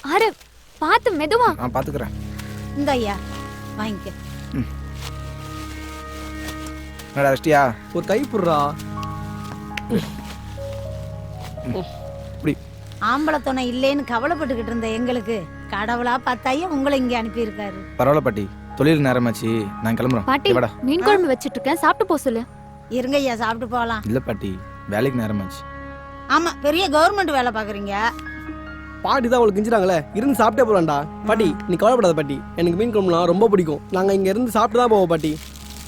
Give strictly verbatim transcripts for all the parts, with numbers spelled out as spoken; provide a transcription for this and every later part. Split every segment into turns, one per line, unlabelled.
ஆறு பாத்து மெதுவா.
நான் பாத்துக்கிறேன்.
இந்த ஐயா வாங்கிக்க.
என்னடா வெஸ்டியா?
ஒரு கை புடுறா.
இப்படி
ஆம்பளை துணை இல்லேன்னு கவலைப்பட்டுக்கிட்டு இருந்த எங்களுக்கு கடவுளா பார்த்தாயா உங்களை இங்க அனுப்பி இருக்காரு.
பரவாயில்ல பாட்டி, தொழில் நேரமாச்சு, நான் கிளம்புறேன்.
பாட்டி மீன் குழம்பு வச்சிட்டு இருக்கேன், சாப்பிட்டு போ சொல்லு.
இருங்க ஐயா சாப்பிட்டு போகலாம்.
இல்ல பாட்டி, வேலைக்கு நேரமாச்சு.
ஆமா பெரிய கவர்மெண்ட் வேலை பாக்குறீங்க.
பாட்டி தான் அவளுக்கு கிஞ்சிட்டாங்களே, இருந்து சாப்பிட்டே போலாம்டா. பாட்டி நீ கவலைப்படாத பாட்டி, எனக்கு மீன் குழம்புலாம் ரொம்ப பிடிக்கும். நாங்க இங்க இருந்து சாப்பிட்டு தான் போவோம் பாட்டி.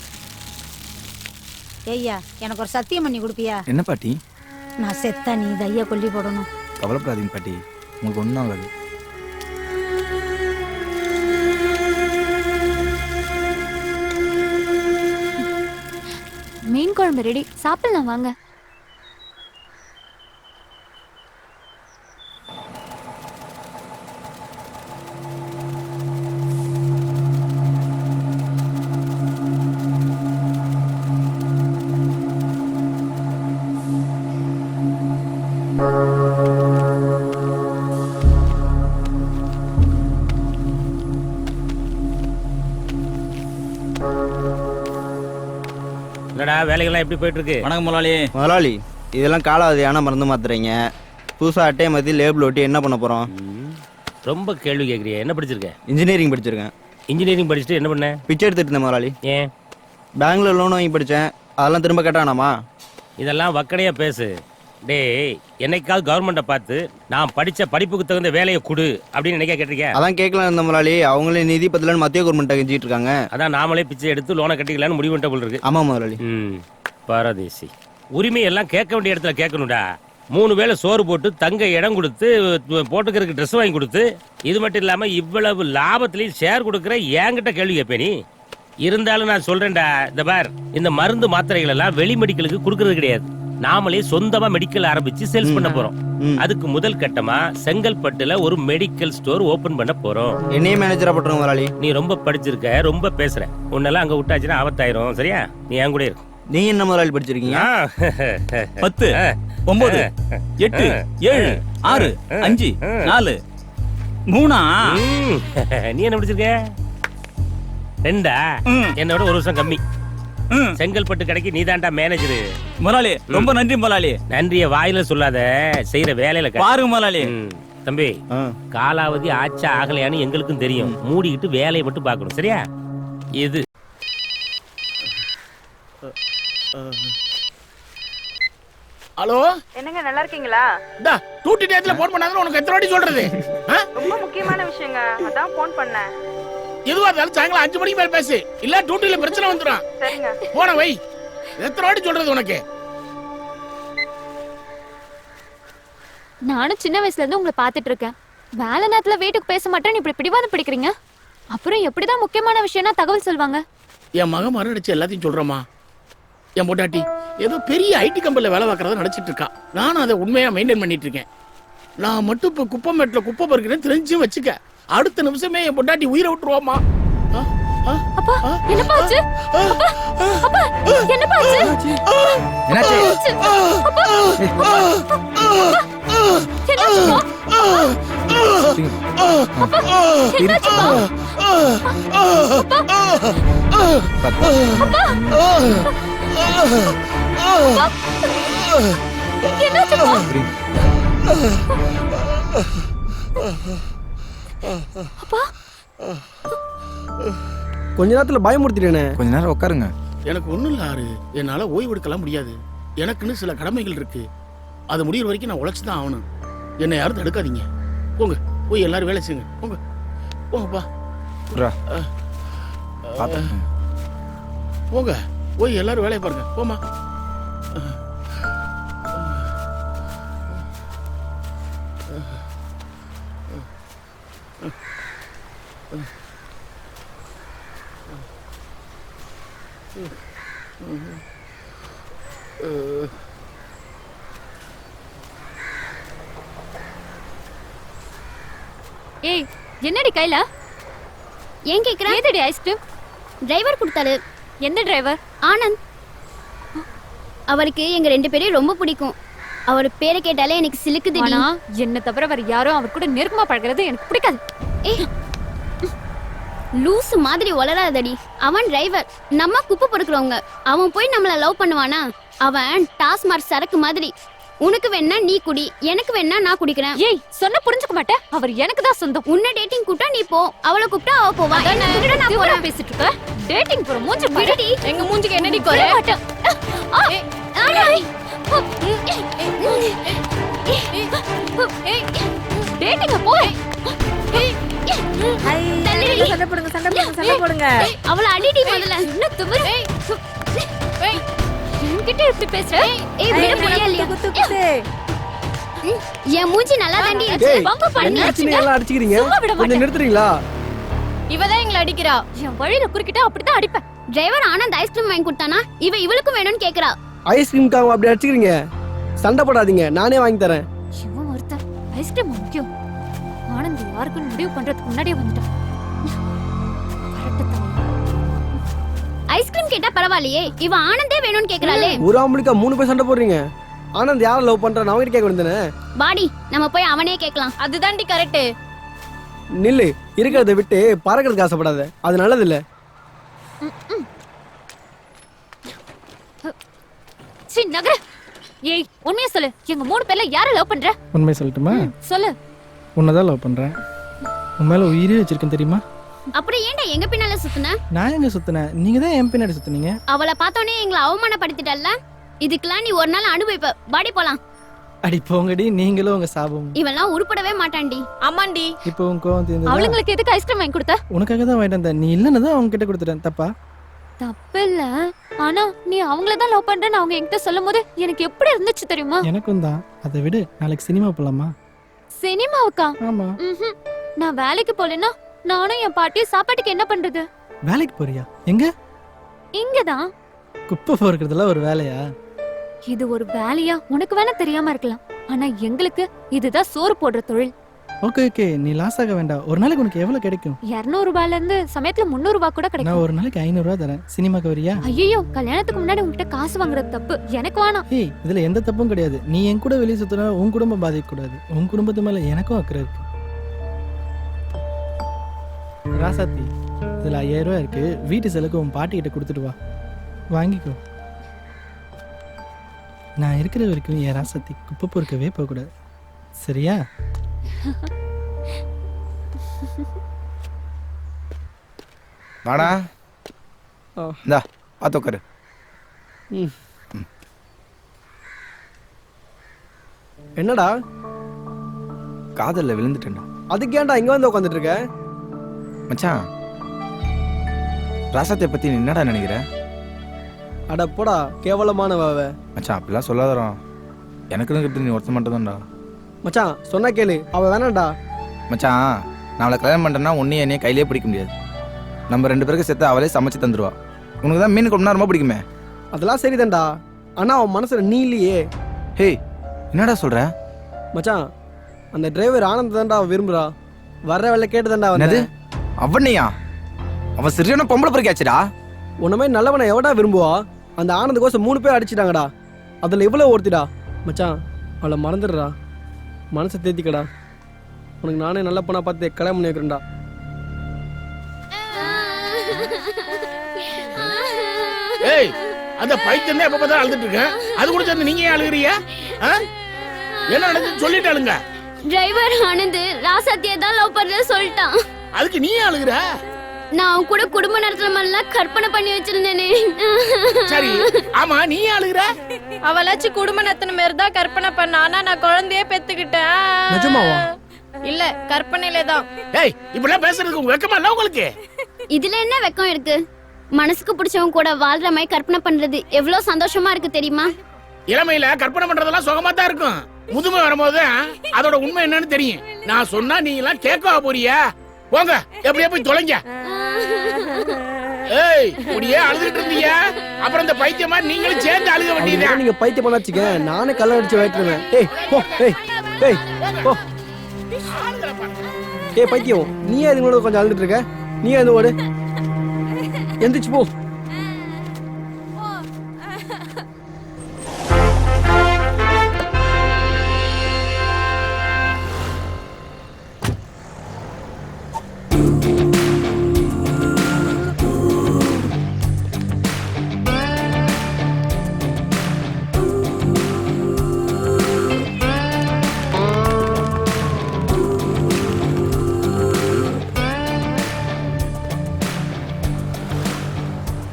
ஐயா எனக்கு ஒரு சத்தியம் பண்ணி கொடுப்பியா?
என்ன பாட்டி?
நான் செத்தா நீ ஐயா கொல்லி போடணும்.
கவலைப்படாதீங்க பாட்டி, உங்களுக்கு ஒன்றும் ஆகாது.
மீன் குழம்பு ரெடி, சாப்பிடலாம் வாங்க.
என்னடா வேலைகள்லாம் எப்படி போயிட்டு இருக்கு?
வணக்கம் முதலாளி.
முதலாளி இதெல்லாம் காலாவதியான மருந்து மாத்துறீங்க. புதுசாக அட்டையை மாற்றி லேபிள் ஒட்டி என்ன பண்ண போகிறோம்?
ரொம்ப கேள்வி கேட்குறிய. என்ன படிச்சிருக்க?
இன்ஜினியரிங் படிச்சிருக்கேன்.
இன்ஜினியரிங் படிச்சுட்டு என்ன பண்ண?
பிச்சை எடுத்துட்டு இருந்தேன் முதலாளி.
ஏன்?
பேங்க்ல லோன் வாங்கி படித்தேன், அதெல்லாம் திரும்ப கேட்டானாமா?
இதெல்லாம் வக்கடையாக பேசு. டேய், என்னைக்காவது கவர்மெண்ட்டை பார்த்து நான் படித்த படிப்புக்கு தகுந்த வேலையை கொடு அப்படின்னு நினைக்க கேட்டிருக்கேன்.
அதான் கேட்கலாம் இருந்த முதலாளி, அவங்களே நிதி பத்தலன்னு மத்திய கவர்மெண்ட்டை கெஞ்சிட்டு இருக்காங்க.
அதான் நாமளே பிச்சை எடுத்து லோனை கட்டிக்கலான்னு முடிவு பண்ணிட்ட போல இருக்கு.
ஆமாம் முதலாளி.
ம் பாரதேசி. உரிமை எல்லாம் கேட்க வேண்டிய இடத்துல கேட்கணும்டா. மூணு வேளை சோறு போட்டு தங்க இடம் கொடுத்து போட்டுக்கிறதுக்கு ட்ரெஸ் வாங்கி கொடுத்து, இது மட்டும் இல்லாம இவ்வளவு லாபத்திலையும் ஷேர் கொடுக்குற என்கிட்ட கேள்வி கேட்பேன் நீ. இருந்தாலும் நான் சொல்றேன்டா, இந்த பார், இந்த மருந்து மாத்திரைகள் எல்லாம் வெளி மெடிக்கலுக்கு கொடுக்கறது கிடையாது. நாமளே சொந்தமா மெடிக்கல் ஆரம்பிச்சு சேல்ஸ் பண்ண போறோம். அதுக்கு முதல் கட்டமா செங்கல்பட்டுல ஒரு மெடிக்கல் ஸ்டோர் ஓபன் பண்ண போறோம்.
என்னையே மேனேஜரா பண்றோம் முதலாளி.
நீ ரொம்ப படிச்சிருக்க, ரொம்ப பேசுற. உன்னெல்லாம் அங்க விட்டாச்சுன்னா ஆபத்தாயிரும். சரியா? நீ என் கூட இருக்கு.
நீங்க என்ன முதலாளி படிச்சிருக்கீங்க?
பத்து ஒன்பது எட்டு ஏழு ஆறு அஞ்சு நாலு மூணா?
நீ என்ன படிச்சிருக்க? ரெண்டா? என்னோட ஒரு வருஷம் கம்மி. செங்கல்பட்டு கடைக்கு நீதான்டா மேனேஜரு.
முதலாளி ரொம்ப நன்றி முதலாளி.
நன்றிய வாயில சொல்லாத, செய்யற வேலையில
பாருங்க முதலாளி.
தம்பி, காலாவதி ஆச்சா ஆகலையான்னு எங்களுக்கும் தெரியும். மூடிக்கிட்டு வேலையை மட்டும் பார்க்கணும். சரியா? இது
ஹலோ,
என்னங்க நல்லா இருக்கீங்களா?
டா டூட்டி டேட்ல போன் பண்ணாத உனக்கு எத்தனை வாட்டி சொல்றது?
ரொம்ப முக்கியமான விஷயங்க, அதான் போன் பண்ணேன்.
எதுவா இருந்தாலும் சாயங்காலம் அஞ்சு மணிக்கு மேல பேசு, இல்ல டூட்டில பிரச்சனை வந்துடும்.
சரிங்க.
போன வை. எத்தனை வாட்டி சொல்றது உனக்கு?
நானும் சின்ன வயசுல இருந்து உங்களை பாத்துட்டு இருக்கேன். வேலை நேரத்துல வீட்டுக்கு பேச மாட்டேன்னு இப்படி பிடிவாதம் பிடிக்கிறீங்க. அப்புறம் எப்படிதான் முக்கியமான விஷயம்னா தகவல் சொல்வாங்க?
என் மகன் மரணிச்சு எல்லாத்தையும் சொல்றமா. என் பொட்டாட்டி ஏதோ பெரிய ஐடி கம்பெனில வேலை பார்க்கறத நினைச்சிட்டு இருக்கா. நானும் அதை உண்மையா மெயின்டைன் பண்ணிட்டு இருக்கேன். நான் மட்டும் இப்ப குப்பை மேட்ல குப்பை பறிக்கிறேன்னு தெரிஞ்சும் வச்சுக்க, அடுத்த நிமிஷமே என் பொட்டாட்டி உயிரை விட்டுருவாமா.
அப்பா என்னப்பா ஆச்சு? அப்பா அப்பா என்னப்பா ஆச்சு?
என்னாச்சு?
அப்பா
கொஞ்ச நேரத்துல பயமுறுத்திட்டேனே.
கொஞ்ச நேரம் உட்காருங்க.
எனக்கு ஒண்ணும் இல்ல ஆறு, என்னால ஓய்வு எடுக்கலாம் முடியாது. எனக்குன்னு சில கடமைகள் இருக்கு. அது முடிகிற வரைக்கும் நான் உழைச்சுதான் ஆகணும். என்னை யாரும் தடுக்காதீங்க. போங்க, போய் எல்லாரும் வேலை செய்யுங்க. போங்க போங்கப்பா. போங்க, போய் எல்லாரும் வேலையை பாருங்க. போமா.
ஏய், என்னடி கையில?
ஏன் கேக்குற?
ஏதடி ஐஸ்கிரீம்?
டிரைவர் கொடுத்தாரு.
எந்த டிரைவர்?
ஆனந்த். அவருக்கு எங்க ரெண்டு பேரையும் ரொம்ப பிடிக்கும். அவர் பேரை கேட்டாலே எனக்கு சிலுக்குதுடி.
ஆனா என்ன தவிர வேற யாரும் அவர் கூட நெருக்கமா பழகிறது எனக்கு பிடிக்காது.
ஏய் லூசு மாதிரி வளராதடி. அவன் டிரைவர், நம்ம குப்பை பொறுக்கிறவங்க. அவன் போய் நம்மள லவ் பண்ணுவானா? அவன் டாஸ்மார்க் சரக்கு மாதிரி. உனக்கு வேணா நீ குடி, எனக்கு வேணா நான் குடிக்கிறேன்.
ஏய் சொன்ன புரிஞ்சுக்க மாட்டேன். அவர் எனக்கு தான் சொந்தம்.
உன்னை டேட்டிங் கூப்பிட்டா நீ போ, அவளை கூப்பிட்டா அவ போவா. என்ன விட நான்
போறேன்
போறேன்.
பேசிட்டு இருக்க. டேட்டிங் போற மூஞ்சி
விடுடி.
எங்க மூஞ்சிக்கு என்னடி குறை? மாட்டேன்.
ஆடாய்.
டேட்டிங்க போ.
தள்ளிடி.
சண்டை போடுங்க சண்டை போடுங்க சண்டை போடுங்க.
அவளை அடிடி முதல்ல.
என்ன திமிரு? என்கிட்ட இப்படி பேசுற?
ஏய் விட போறியா இல்லையா?
குத்து குத்து.
என் மூஞ்சி நல்லா தாண்டி இருக்கு.
டேய்,
பங்கு பண்ணி
என்ன ஆச்சுன்னு எல்லாம் அடிச்சுக்கிறீங்க?
சும்மா விட
கொஞ்சம்
மாட்டேன்.
நிறுத்துறீங்களா?
இவதான் எங்களை அடிக்கிறா. என் வழியில குறுக்கிட்டா அப்படிதான் அடிப்பேன்.
டிரைவர் ஆனந்த் ஐஸ்கிரீம் வாங்கி கொடுத்தானா? இவ இவளுக்கும் வேணும்னு கேக்குறா.
ஐஸ்கிரீம்காக அப்படி அடிச்சுக்கிறீங்க? சண்டை போடாதீங்க, நானே வாங்கி தரேன்.
இவன் ஒருத்தன் ஐஸ்கிரீம் முக்கியம். ஆனந்த் யாருக்குன்னு முடிவு பண்றதுக்கு முன்னாடியே வந்துட்டான். கரெக்ட் தான்.
ஐஸ்கிரீம் கேட்டா பரவாயில்லையே, இவ ஆனந்தே வேணும்னு கேக்குறாளே.
ஒரு ஆம்பளுக்கா மூணு பேர் சண்டை போடுறீங்க? ஆனந்த் யாரை லவ் பண்றான் அவங்கிட்ட கேட்க வேண்டியதானே?
பாடி நம்ம போய் அவனே கேட்கலாம்.
அதுதான்டி கரெக்ட்.
நில்லு, இருக்கிறத விட்டு பறக்கிறதுக்கு ஆசைப்படாத, அது நல்லது இல்ல.
சீ நகர. ஏய் உண்மையா சொல்லு, எங்க மூணு பேர்ல யாரை லவ் பண்ற?
உண்மையை சொல்லட்டுமா?
சொல்லு.
உன்னதான் லவ் பண்றேன். உன் மேல உயிரே வச்சிருக்கேன் தெரியுமா?
அப்படி ஏன்டா எங்க பின்னால சுத்துன?
நான் எங்க சுத்தினேன்? நீங்க தான் என் பின்னாடி சுத்தினீங்க.
அவளை பார்த்தோன்னே எங்களை அவமானப்படுத்திட்டல்ல. இதுக்கெல்லாம் நீ ஒரு நாள் அனுபவிப்ப. பாடி போலாம்.
அடி போங்கடி, நீங்களும் உங்க சாபம்.
இவெல்லாம் உருப்படவே மாட்டான்டி.
ஆமாண்டி.
இப்போ உன் கோவம் தீர்ந்ததா?
அவளுங்களுக்கு எதுக்கு ஐஸ்கிரீம் வாங்கி கொடுத்த?
உனக்காக தான் வாங்கிட்டு வந்தேன். நீ இல்லைன்னு தான் அவங்க கிட்ட கொடுத்துட்டேன். தப்பா?
தப்பில்ல. ஆனா நீ அவங்கள தான் லவ் பண்றேன்னு அவங்க என்கிட்ட சொல்லும் போது எனக்கு எப்படி இருந்துச்சு தெரியுமா?
எனக்கும் தான். அதை விடு, நாளைக்கு சினிமா போலாமா?
சினிமாவுக்கா?
ஆமா.
ம்ஹும். நான் வேலைக்கு போலனா நானும் என் பாட்டியும் சாப்பாட்டுக்கு என்ன பண்றது?
வேலைக்கு போறியா? எங்க?
இங்கதான்.
குப்பை பொறுக்கிறதுல ஒரு வேலையா?
இது ஒரு வேலையா உனக்கு வேணா தெரியாம இருக்கலாம். ஆனா எங்களுக்கு இதுதான் சோறு போடுற தொழில்.
ஓகே ஓகே, நீ லாஸ் ஆக வேண்டாம். ஒரு நாளைக்கு உனக்கு எவ்வளவு கிடைக்கும்?
இருநூறு ரூபாயில இருந்து சமயத்துல முன்னூறு ரூபாய் கூட
நான்
கிடைக்கும்.
ஒரு நாளைக்கு ஐநூறு ரூபாய் தரேன். சினிமாக்கு வரியா?
ஐயோ கல்யாணத்துக்கு முன்னாடி உன்கிட்ட காசு வாங்குறது தப்பு. எனக்கு வேணாம்.
ஏய், இதுல எந்த தப்பும் கிடையாது. நீ என் கூட வெளியே சுத்தினா உன் குடும்பம் பாதிக்க கூடாது. உன் குடும்பத்து மேல எனக்கும் அக்கறை இருக்கு. ராசாத்தி, இதுல ஐயாயிரம் ரூபாய் இருக்கு. வீட்டு செலவுக்கு உன் பாட்டி கிட்ட கொடுத்துட்டு வா, வாங்கிக்கோ. நான் இருக்கிற வரைக்கும் என் ராசாத்தி குப்பை பொறுக்கவே போகக்கூடாது, சரியா?
வாடா.
ஆ.
இந்தா பார்த்து உட்காரு.
ம். என்னடா
காதல்ல விழுந்துட்டேன்டா.
அதுக்கு ஏன்டா இங்க வந்து உட்காந்துட்டு இருக்க?
மச்சான், ராசாத்தை பத்தி நீ என்னடா நினைக்கிற?
அட போடா, கேவலமான வாவ.
மச்சான் அப்படிலாம் சொல்லாதடா. எனக்குன்னு இருக்கிறது நீ ஒருத்த மட்டும் தான்டா.
மச்சான் சொன்னா கேளு, அவ வேணாம்டா.
மச்சான், நான் அவளை கல்யாணம் பண்ணுறேன்னா உன்னையும் என்னையும் கையிலே பிடிக்க முடியாது. நம்ம ரெண்டு பேருக்கு சேர்த்து அவளே சமைச்சு தந்துடுவா. உனக்கு தான் மீன் குழம்புனா ரொம்ப பிடிக்குமே.
அதெல்லாம் சரிதான்டா, ஆனா அவன் மனசுல நீ இல்லையே.
ஹேய், என்னடா சொல்ற?
மச்சான், அந்த டிரைவர் ஆனந்த் தான்டா அவ விரும்புறா. வர்ற வேலை கேட்டுதான்டா
என்னது?
வந்து.
அவனையா? அவன் சரியான பொம்பளை பொறுக்காச்சுடா.
உன்ன மாதிரி நல்லவனை எவடா விரும்புவா? அந்த ஆனந்த் கோசம் மூணு பேர் அடிச்சிட்டாங்கடா. அதுல இவ்வளவு ஒருத்திடா. மச்சான், அவளை மறந்துடுறா, மனசை தேத்திக்கடா. உனக்கு நானே நல்ல பொண்ணா பார்த்து கல்யாணம் பண்ணி வைக்கிறேன்டா.
ஏய், அந்த பைத்தியம் எப்ப பார்த்தா அழுதுட்டு இருக்கேன். அது கூட சேர்ந்து நீங்க ஏன் அழுகுறீங்க? ஆ? என்ன நடந்துச்சு சொல்லிட்டாளுங்க.
டிரைவர் ஆனந்த் ராசாத்தியை தான் லவ் பண்றத சொல்லிட்டான்.
அதுக்கு நீ ஏன் அழுகுற?
நான் அவன் கூட குடும்ப நடத்துற மாதிரிலாம் கற்பனை பண்ணி வச்சிருந்தேனே.
சரி, ஆமா நீ ஏன் அழுகுற?
அவளாச்சு குடும்ப நத்தன மாதிரி தான் கற்பனை பண்ண. ஆனா நான் குழந்தையே பெத்துக்கிட்டேன்.
நிஜமாவா?
இல்ல, கற்பனையில தான்.
ஏய், இப்படிலாம் பேசுறதுக்கு உங்க வெக்கமா இல்ல உங்களுக்கு?
இதுல என்ன வெக்கம் இருக்கு? மனசுக்கு பிடிச்சவங்க கூட வாழ்ற மாதிரி கற்பனை பண்றது எவ்வளவு சந்தோஷமா இருக்கு தெரியுமா?
இளமையில கற்பனை பண்றதெல்லாம் சுகமா தான் இருக்கும். முதுமை வரும்போது அதோட உண்மை என்னன்னு தெரியும். நான் சொன்னா நீங்க எல்லாம் கேட்கவா போறியா? போங்க, எப்படியா போய் தொலைங்க. ஏய், இப்படியே அழுதுட்டு இருந்தீங்க, அப்புறம் இந்த பைத்தியமா நீங்களும் சேர்ந்து அழுக வேண்டியதா?
நீங்க பைத்தியம் பண்ண வச்சுக்க, நானே கல்ல அடிச்சு வைக்கிறேன். ஏய் போ, ஏய் ஏய் போ. ஏய் பைத்தியம், நீ அதுங்களோட கொஞ்சம் அழுதுட்டு இருக்க. நீ அது ஓடு, எந்திரிச்சு போ.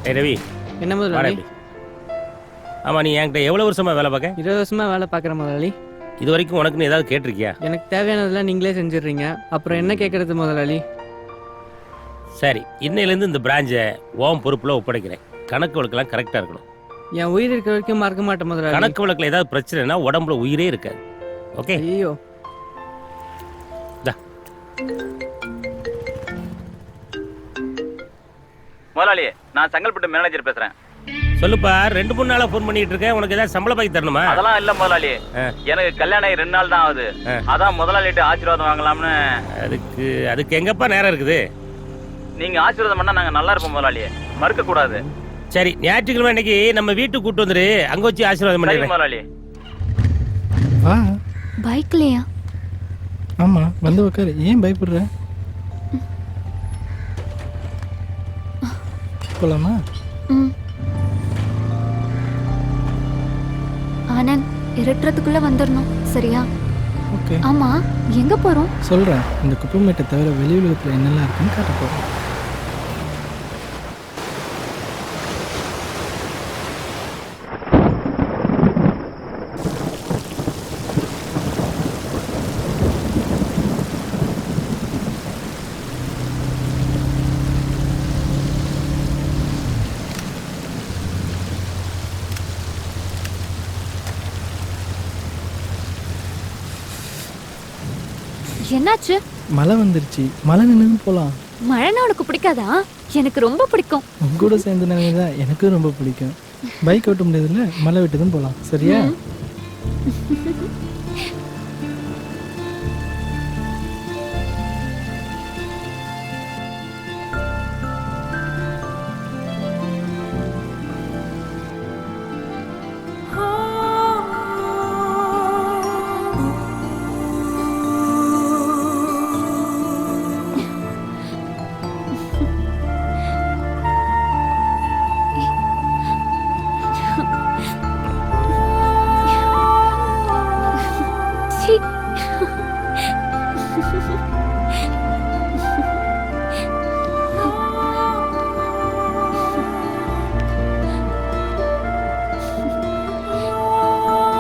ஏய் ரவி
என்ன
வாடா
முதலாளி?
இப்படி. ஆமா நீ என்கிட்ட எவ்வளவு வருஷமா வேலை பார்க்க?
இருபது வருஷமா வேலை பார்க்குறேன் முதலாளி.
இது வரைக்கும் உனக்குன்னு ஏதாவது கேட்டிருக்கியா?
எனக்கு தேவையானதெல்லாம் நீங்களே செஞ்சிடுறீங்க. அப்புறம் என்ன கேட்கறது முதலாளி?
சரி, இன்னையிலேருந்து இந்த பிரான்ச்சை ஓம் பொறுப்புல ஒப்படைக்கிறேன். கணக்கு வழக்கெல்லாம் கரெக்டா இருக்கணும்.
என் உயிர் இருக்கிற வரைக்கும் மறக்க மாட்டேன் முதலாளி.
கணக்கு வழக்குல ஏதாவது பிரச்சனைனா உடம்புல உயிரே இருக்காது. ஓகே?
ஐயோ.
தா.
முதலாளி, நான் செங்கல்பட்டு மேனேஜர் பேசுறேன்.
சொல்லுப்பா, ரெண்டு மூணு நாளா ஃபோன் பண்ணிட்டு இருக்கேன். உனக்கு ஏதாவது சம்பள பாக்கி தரணுமா?
அதெல்லாம் இல்ல முதலாளி. எனக்கு கல்யாணம் ஆகி ரெண்டு நாள் தான் ஆகுது. அதான் முதலாளிட்டு ஆசீர்வாதம் வாங்கலாம்னு.
அதுக்கு அதுக்கு எங்கப்பா நேரம் இருக்குது?
நீங்க ஆசீர்வாதம் பண்ணா நாங்க நல்லா இருப்போம் முதலாளி. மறுக்க கூடாது.
சரி, ஞாயிற்றுக்கிழமை அன்னைக்கு நம்ம வீட்டுக்கு கூட்டு வந்துரு. அங்க வச்சு ஆசீர்வாதம்
சரி
பண்ணிடுறேன்.
முதலாளி.
வா.
பைக்லயா?
ஆமா, வந்து உட்காரு. ஏன் பயப்படுற? போலாமா?
ம். ஆனந்த், இருட்டுறதுக்குள்ள வந்துடணும், சரியா?
ஓகே.
ஆமா, எங்க போறோம்?
சொல்றேன். இந்த குப்பைமேட்டை தவிர வெளி உலகத்துல என்னெல்லாம் இருக்குன்னு காட்ட போறேன்.
என்னாச்சு?
மழை வந்துருச்சு. மழை நின்று போலாம்.
மழைனா உனக்கு பிடிக்காதா? எனக்கு ரொம்ப பிடிக்கும்.
உங்க கூட சேர்ந்து தான் எனக்கும் ரொம்ப பிடிக்கும். பைக் ஓட்ட முடியாதுல்ல, மழை விட்டுதும் போலாம். சரியா?
சீ.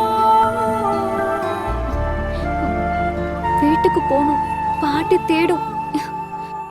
வீட்டுக்கு போகணும். பாட்டி தேடும்.